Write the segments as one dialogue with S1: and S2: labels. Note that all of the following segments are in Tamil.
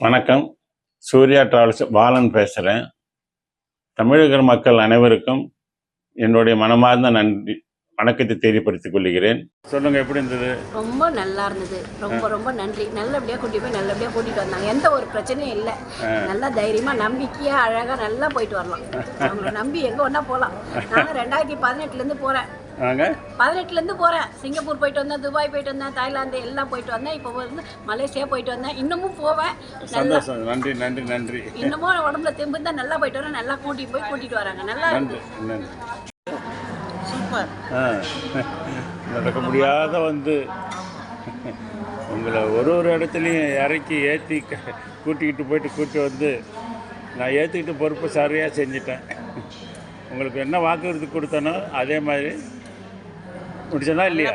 S1: வணக்கம். சூர்யா டிராவல்ஸ் பாலன் பேசுகிறேன். தமிழக மக்கள் அனைவருக்கும் என்னுடைய மனமார்ந்த நன்றி வணக்கத்தை தெரியப்படுத்திக் கொள்கிறேன். சொல்லுங்க, எப்படி இருந்தது?
S2: ரொம்ப நல்லா இருந்தது. ரொம்ப ரொம்ப நன்றி. நல்லபடியாக கூட்டிட்டு போய் நல்லபடியாக கூட்டிகிட்டு வந்தாங்க. எந்த ஒரு பிரச்சனையும் இல்லை. நல்லா தைரியமாக நம்பிக்கையாக அழகாக நல்லா போயிட்டு வரலாம். அவங்கள நம்பி எங்கே ஒன்றா போகலாம். நாங்கள் 2018 போகிறேன். 18 போகிறேன். சிங்கப்பூர் போயிட்டு வந்தேன், துபாய் போயிட்டு வந்தேன், தாய்லாந்து எல்லாம் போயிட்டு வந்தேன். இப்போ வந்து மலேசியா போயிட்டு வந்தேன். இன்னமும் போவேன்.
S1: சந்தோஷம். நன்றி நன்றி நன்றி.
S2: இன்னமும் உடம்புல தெம்பு தான். நல்லா போயிட்டு வரேன். நல்லா கூட்டிகிட்டு வராங்க. நல்லா
S1: நன்றி. நடக்க முடியாத வந்து உங்களை ஒரு இடத்துலையும் இறக்கி ஏற்றி கூட்டிகிட்டு வந்து நான் ஏற்றிக்கிட்டு பொறுப்பு சரியாக செஞ்சிட்டேன். உங்களுக்கு என்ன வாக்குறுதி கொடுத்தனோ அதே மாதிரி முடிச்சதா இல்லையா?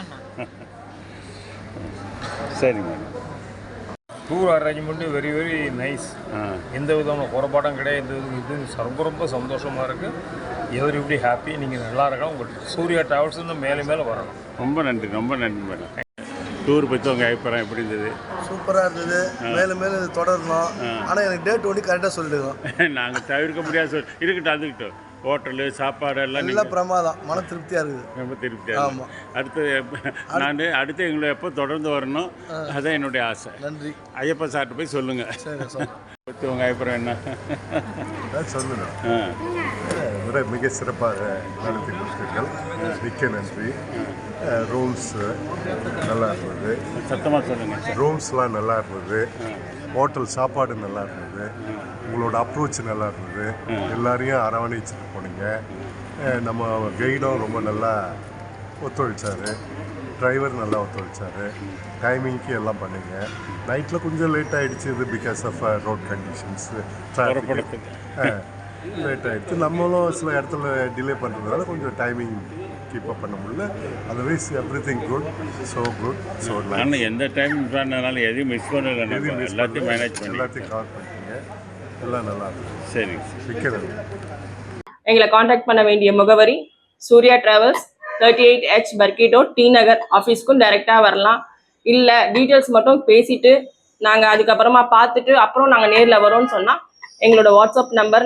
S1: சரிங்க.
S3: Tour arrangement very very nice. எந்த விதமான குறைபாடும் கிடையாது. இது ரொம்ப சந்தோஷமாக இருக்குது. Everybody happy. நீங்கள் நல்லா இருக்கலாம். உங்களுக்கு சூர்யா டிராவல்ஸ் இன்னும் மேலே வரணும்.
S1: ரொம்ப நன்றி மேடம். டூர் பற்றி உங்கள் அபிப்பிராயம் எப்படி இருந்தது?
S4: சூப்பராக இருந்தது. மேலும் இது தொடரணும். ஆனால் எனக்கு டேட் ஒன்று கரெக்டாக சொல்லிடுவோம்.
S1: நாங்கள் தவிர்க்க முடியாது. இருக்கட்டும், அதுக்கிட்டோம். ஹோட்டலு சாப்பாடு எல்லாம்
S4: நல்லா பிரமாதம். மன திருப்தியாக இருக்குது.
S1: ரொம்ப திருப்தியாக. ஆமாம். அடுத்து எங்களை எப்போ தொடர்ந்து வரணும், அதான் என்னுடைய ஆசை.
S4: நன்றி.
S1: ஐயப்பா சார்ட்டு போய் சொல்லுங்கள். பற்றி உங்கள் அபிப்பிராயம் என்ன?
S5: சொல்லணும். மிக சிறப்பாக நடத்தி கொடுத்தீர்கள். மிக்க நன்றி. ரூம்ஸ் நல்லா இருந்தது.
S1: சத்தமாக சொல்லுங்கள்.
S5: ரூம்ஸ்லாம் நல்லா இருந்தது. ஹோட்டல் சாப்பாடு நல்லா இருந்தது. உங்களோட அப்ரோச் நல்லா இருந்தது. எல்லாரையும் அரவணைச்சிட்டு போனீங்க. நம்ம கைடும் ரொம்ப நல்லா ஒத்துழைச்சார். டிரைவர் நல்லா ஒத்துழைச்சார். டைமிங்க்கு எல்லாம் பண்ணீங்க. நைட்டில் கொஞ்சம் லேட் ஆகிடுச்சு. இது because of road conditions, traffic late ஆகிடுச்சு. நம்மளும் சில இடத்துல டிலே பண்ணுறதுனால கொஞ்சம் டைமிங் கீப் அப் பண்ண முடியல. Otherwise everything good. So good. So
S1: நான் எந்த டைம் பண்ணனாலும் எதையும் மிஸ் பண்ணல. எல்லாத்தையும் மேனேஜ் பண்ணி
S5: எல்லாத்தையும் கவர் பண்ணிட்டீங்க. எல்லாம் நல்லா இருக்கும்.
S1: சரி.
S5: விற்கிறது.
S6: எங்களை காண்டாக்ட் பண்ண வேண்டிய முகவரி சூர்யா டிராவல்ஸ், 38H பர்கிட்டோ, டி நகர் ஆஃபீஸ்க்கும் டைரெக்டாக வரலாம். இல்லை டீட்டெயில்ஸ் மட்டும் பேசிட்டு நாங்கள் அதுக்கப்புறமா பார்த்துட்டு அப்புறம் நாங்கள் நேரில் வரோம்னு சொன்னால் எங்களோட வாட்ஸ்அப் நம்பர்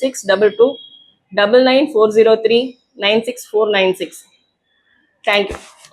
S6: 9840085622 99403 96496. தேங்க்யூ.